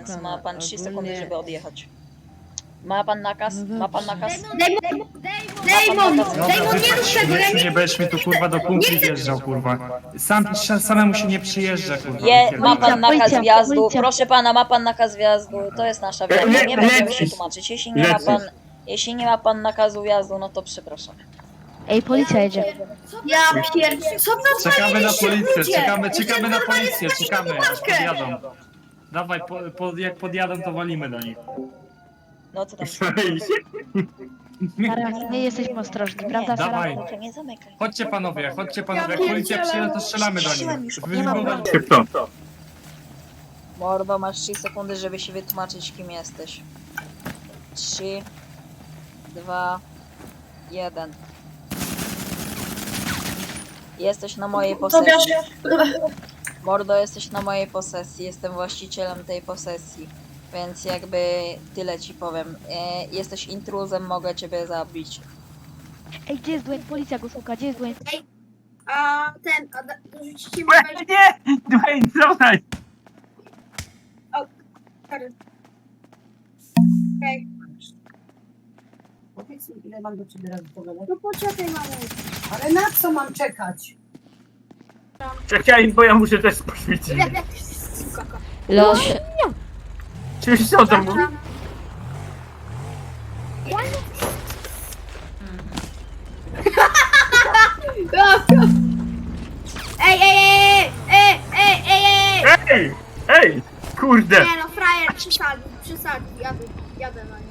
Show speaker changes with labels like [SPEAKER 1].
[SPEAKER 1] pana,
[SPEAKER 2] ma pan 3 sekundy,
[SPEAKER 1] ogólnie-
[SPEAKER 2] żeby odjechać. Ma pan nakaz?
[SPEAKER 1] No
[SPEAKER 2] Ma pan nakaz?
[SPEAKER 3] Dejmon,
[SPEAKER 4] Dobra,
[SPEAKER 3] nie rób tego,
[SPEAKER 4] nie będziesz mi tu kurwa do kumpli wjeżdżał, kurwa. Samemu się nie przyjeżdża, kurwa.
[SPEAKER 2] Ma pan nakaz
[SPEAKER 1] Policja,
[SPEAKER 2] wjazdu.
[SPEAKER 1] policja.
[SPEAKER 2] Proszę pana, ma pan nakaz wjazdu. To jest nasza wina. Nie będziemy się tłumaczyć. Jeśli nie ma pan nakazu wjazdu, no to przepraszam.
[SPEAKER 1] Ej, policja jedzie.
[SPEAKER 3] Ja pierdolę, co to
[SPEAKER 4] Czekamy na policję,
[SPEAKER 3] ludzie?
[SPEAKER 4] czekamy na policję, czekamy, aż podjadą. Dawaj, jak podjadą, to walimy do nich.
[SPEAKER 2] No co tam?
[SPEAKER 1] Sara, my jesteśmy ostrożni, prawda, Sara?
[SPEAKER 4] Dawaj.
[SPEAKER 2] Nie zamykaj.
[SPEAKER 4] Chodźcie panowie, jak policja przyjedzie, to strzelamy do
[SPEAKER 2] Puściłem
[SPEAKER 4] nich.
[SPEAKER 2] już.
[SPEAKER 1] Nie ma broni.
[SPEAKER 2] Mordo, masz 3 sekundy, żeby się wytłumaczyć, kim jesteś. 3, 2, 1. Jesteś na mojej posesji. Mordo, jesteś na mojej posesji. Jestem właścicielem tej posesji. Więc jakby tyle ci powiem. Jesteś intruzem, mogę ciebie zabić.
[SPEAKER 1] Ej, gdzie jest Dwayne? Policja go szuka, gdzie jest Dwayne?
[SPEAKER 3] A dorzucicie mi
[SPEAKER 4] Nie! Dwayne, dawaj!
[SPEAKER 3] Okej.
[SPEAKER 5] Powiedz mi, ile mam do ciebie razy pogadać.
[SPEAKER 3] No poczekaj, mamo.
[SPEAKER 5] Ale na co mam czekać?
[SPEAKER 6] Czekaj, bo ja muszę też poświecić.
[SPEAKER 1] Los.
[SPEAKER 6] Czyś co to mówi?
[SPEAKER 3] Ej!
[SPEAKER 6] Ej! Ej! Kurde!
[SPEAKER 3] Nie no, frajer przesadził, jadę na nie.